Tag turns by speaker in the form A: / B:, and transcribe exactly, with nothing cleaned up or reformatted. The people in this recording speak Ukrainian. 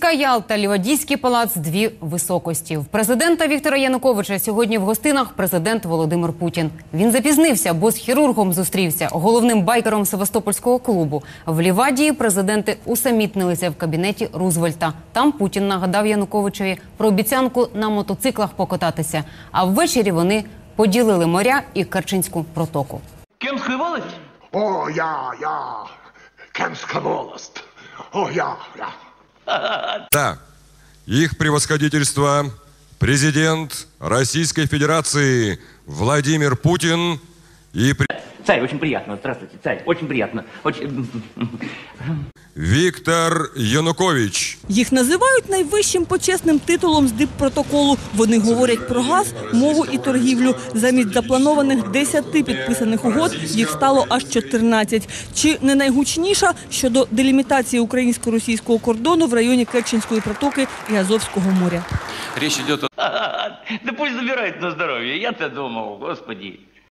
A: Київська Ялта, Лівадійський палац – дві високості. В президента Віктора Януковича сьогодні в гостинах президент Володимир Путін. Він запізнився, бо з хірургом зустрівся, головним байкером Севастопольського клубу. В Лівадії президенти усамітнилися в кабінеті Рузвельта. Там Путін нагадав Януковичеві про обіцянку на мотоциклах покататися. А ввечері вони поділили моря і Керченську протоку.
B: Кемська волость?
C: О, я, я, Кемська волость. О, я, я.
D: Да, их превосходительство, президент Российской Федерации Владимир Путин и...
B: Царь, очень приятно. Здравствуйте, царь. Очень приятно. Очень...
D: Віктор Янукович.
E: Їх називають найвищим почесним титулом з диппротоколу. Вони говорять про газ, мову і торгівлю. Замість запланованих десяти підписаних угод їх стало аж чотирнадцять. Чи не найгучніша щодо делімітації українсько-російського кордону в районі Керченської протоки і Азовського моря.
F: Речь идет о...
B: Да пусть забирает на здоровье. Я-то думал, господи.